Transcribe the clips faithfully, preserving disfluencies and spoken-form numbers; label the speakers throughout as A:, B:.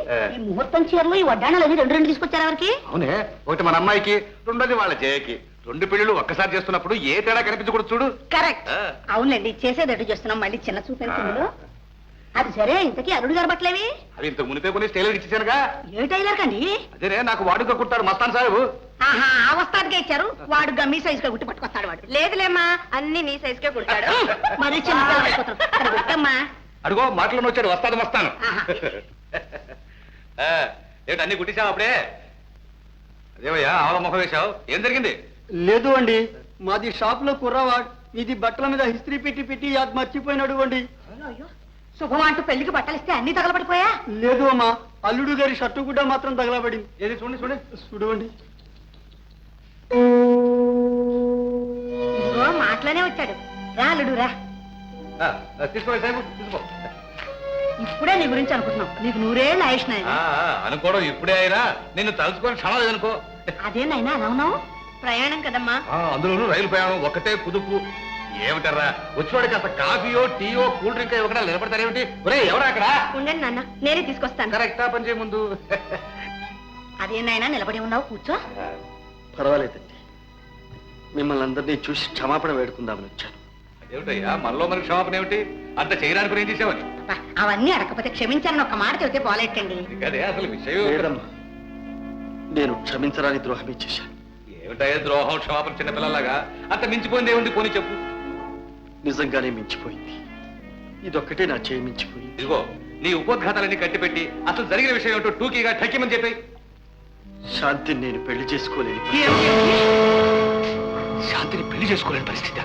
A: ఈ ముహూర్తం చీరలు ఈ వడ్డాణాలు అవి రెండు రెండు తీసుకొచ్చారు ఎవరికి?
B: అవునే, ఒకటి మన అమ్మాయికి, రెండోది వాళ్ళ జయకి. రెండు పెళ్లిళ్ళు ఒక్కసారి చేస్తున్నప్పుడు ఏ తేడా కనిపించకూడదు చూడు.
A: కరెక్ట్. అవునండి, చేసేదట్టు చేస్తున్నాం. మళ్ళీ చిన్న చూపించు. అది సరే, ఇంతకీ అల్లుడు గారు బట్టలేవి?
B: అవి ఇంతకు మునిపే కొన్ని టైలర్ ఇచ్చేసానుగా.
A: ఏ టైలర్ కండి?
B: అదేనే, నాకు వాడుగా కుట్టారు మస్తాన్ సాహెబు.
A: ఆహా, ఆ వస్తాదిగా ఇచ్చారు. వాడు మీ సైజ్ గా గుట్టి పట్టుకొస్తాడు. వాడు
C: లేదులేమ్మా, అన్ని నీ సైజ్ కే కుడతాడు.
A: మరి చిన్న
B: అడుగో మాటలను వచ్చాడు, వస్తాను వస్తాను. ఏంటి అన్ని కుట్టించావు అప్పుడే? అదేవయ్యా ఆవల ముఖం వేశావు, ఏం జరిగింది?
D: లేదు అండి, మాది షాప్ లో కుర్రవాడు ఇది బట్టల మీద హిస్త్రీ పెట్టి పెట్టి అది మర్చిపోయినాడు అండి.
A: శుభం అంటూ పెళ్లికి బట్టలిస్తే అన్ని తగలబడిపోయా?
D: లేదు అమ్మా, అల్లుడు గారి షర్టు కూడా మాత్రం తగలబడింది.
B: ఏది చూడండి చూడండి
D: చూడండి.
A: ఇదిగో మాటలోనే వచ్చాడు. రా అల్లుడు రా.
B: తీసుకో సాహెబు, తీసుకో.
A: ఇప్పుడే నీ గురించి అనుకుంటున్నాం. నీకు నూరేళ్ళు ఆయుష్ నాయన.
B: అనుకోవడం ఇప్పుడే అయినా నిన్ను తలుచుకొని క్షణం లేదనుకో.
A: అదేనాయనా అలా ఉన్నావు?
C: ప్రయాణం కదమ్మా.
B: అందులోనూ రైలు ప్రయాణం ఒకటే కుదుపు. ఏమిటారా వచ్చివాడికి అసలు కాఫీయో టీయో కూల్ డ్రింక్ ఇవ్వకుండా నిలబడతారేమిటి? ఒరే ఎవరా అక్కడ?
C: ఉండండి నాన్న, నేనే తీసుకొస్తాను.
B: కరెక్టా పని చేయ ముందు.
A: అదేనాయనా నిలబడి ఉన్నావు, కూర్చో.
D: పర్వాలేదండి, మిమ్మల్ని అందరినీ చూసి క్షమాపణ వేడుకుందామని వచ్చాను.
B: ఏమిటయ్యా మనలో మనకి క్షమాపణ ఏమిటి? అంత చేయడానికి ఏం చేసావని?
A: అవన్నీ అడగకపోతే క్షమించాలని ఒక మాట చెబితే పోలేటండి.
B: అదే అసలు విషయం.
D: లేదమ్మా, నేను క్షమించరాని ద్రోహమే చేశాను.
B: ఏమిటయ్యా ద్రోహం క్షమాపణ చిన్నపిల్లలాగా? అంత మించిపోయింది ఏముంది? పోనీ చెప్పు.
D: నిజంగానే మించిపోయింది. ఇదొక్కటే నా చేయి మించిపోయింది.
B: ఇదిగో నీ ఉపోద్ఘాతాలన్నీ కట్టిపెట్టి అసలు జరిగిన విషయం ఏమిటో టూకీగా ఠక్కిమని చెప్పి.
D: శాంతిని నేను పెళ్లి చేసుకోలేని
B: శాంతిని పెళ్లి చేసుకోలేని పరిస్థితి.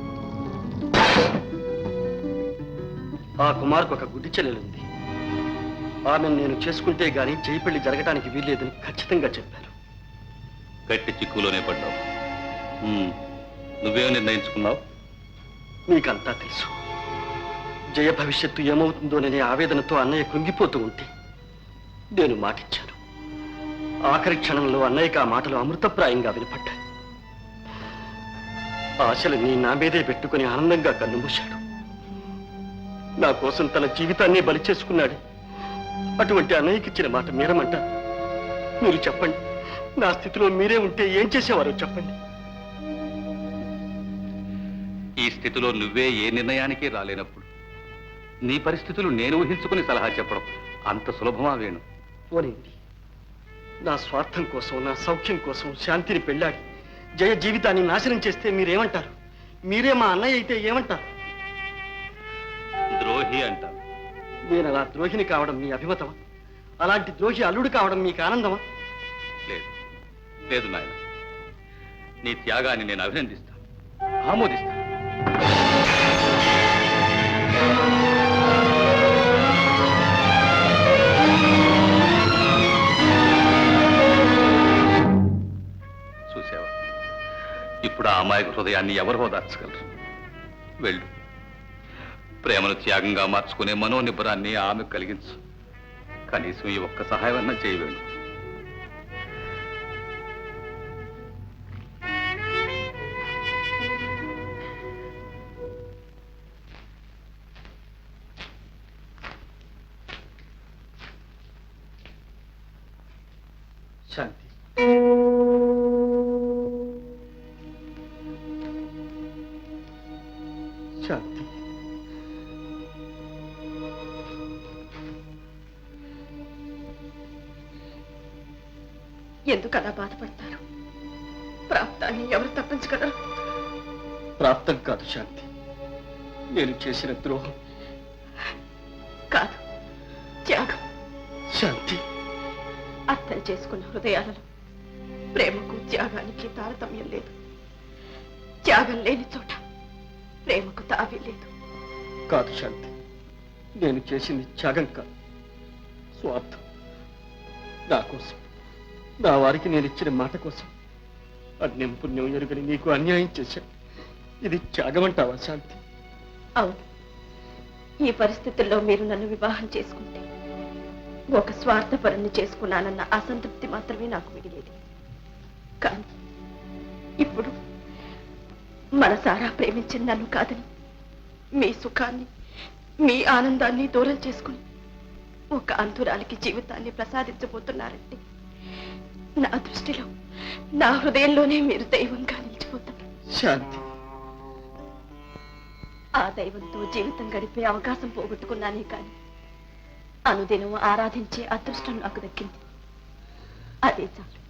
D: ఆ కుమార్కు ఒక గుడ్డి చెల్లెలుంది. ఆమెను నేను చేసుకుంటే గాని చేయి పెళ్లి జరగటానికి వీల్లేదని ఖచ్చితంగా చెప్పారు.
B: గట్టి చిక్కులోనే పడ్డావు. నువ్వేం నిర్ణయించుకున్నావు?
D: నీకంతా తెలుసు. జయ భవిష్యత్తు ఏమవుతుందోననే ఆవేదనతో అన్నయ్య కృంగిపోతూ ఉంటే నేను మాటిచ్చాను. ఆఖరి క్షణంలో అన్నయ్యకి ఆ మాటలు అమృతప్రాయంగా వినపడ్డాయి. ఆశలన్నీ నా మీదే పెట్టుకుని ఆనందంగా కన్నుమూశాడు. నా కోసం తన జీవితాన్ని బలి చేసుకున్నాడు. అటువంటి అన్నయ్యకి ఇచ్చిన మాట మీరమంటారు? మీరు చెప్పండి, నా స్థితిలో మీరే ఉంటే ఏం చేసేవారో చెప్పండి.
B: ఈ స్థితిలో నువ్వే ఏ నిర్ణయానికి రాలేనప్పుడు నీ పరిస్థితులు నేను ఊహించుకుని సలహా చెప్పడం అంత సులభమా వేణు?
D: పోనింది, నా స్వార్థం కోసం, నా సౌఖ్యం కోసం శాంతిని పెళ్ళాడి జయ జీవితాన్ని నాశనం చేస్తే మీరేమంటారు? మీరే మా అన్నయ్య అయితే ఏమంటారు?
B: ద్రోహి అంటారు.
D: నేను అలా ద్రోహిని కావడం మీ అభిమతమా? అలాంటి ద్రోహి అల్లుడు కావడం మీకు ఆనందమా?
B: లేదు లేదు నాయన, నీ త్యాగాన్ని నేను అభినందిస్తాను, ఆమోదిస్తాను. చూసావా, ఇప్పుడు ఆ అమాయక హృదయాన్ని ఎవరు ఓదార్చగలరు? వెళ్ళు, ప్రేమను త్యాగంగా మార్చుకునే మనోనిబ్బరాన్ని ఆమె కలిగించు. కనీసం ఈ ఒక్క సహాయం అన్నా చేయవేండు.
D: శాంతి, శాంతి,
C: ఎందుకు అలా బాధపడతారు? ప్రాప్తాన్ని ఎవరు తప్పించగలరు?
D: ప్రాప్తం కాదు శాంతి, నేను చేసిన ద్రోహం.
C: కాదు, త్యాగం.
D: శాంతి,
C: అర్థం చేసుకున్న హృదయాలలో ప్రేమకు త్యాగానికి తారతమ్యం లేదు. త్యాగం లేని చోట ప్రేమకు తావి లేదు.
D: కాదు శాంతి, నేను చేసింది త్యాగం కాదు, స్వార్థం. నా కోసం, నా వారికి నేను ఇచ్చిన మాట కోసం అన్యం పుణ్యం ఎరుగని నీకు అన్యాయం చేశాను. ఇది త్యాగం అంటావా శాంతి?
C: అవును, ఈ పరిస్థితుల్లో మీరు నన్ను వివాహం చేసుకుంటే ఒక స్వార్థపరుణ్ణి చేసుకున్నానన్న అసంతృప్తి మాత్రమే నాకు మిగిలేది. కానీ ఇప్పుడు మనసారా ప్రేమించిన నన్ను కాదని మీ సుఖాన్ని, మీ ఆనందాన్ని దూరం చేసుకుని ఒక అంధురాలికి జీవితాన్ని ప్రసాదించబోతున్నారంటే నా దృష్టిలో నా హృదయంలోనే మీరు దైవంగా నిలిచిపోతారు.
D: శాంతి,
C: ఆ దైవంతో జీవితం గడిపే అవకాశం పోగొట్టుకున్నానే కానీ అనుదినం ఆరాధించే అదృష్టం నాకు దక్కింది. అదే చాలు.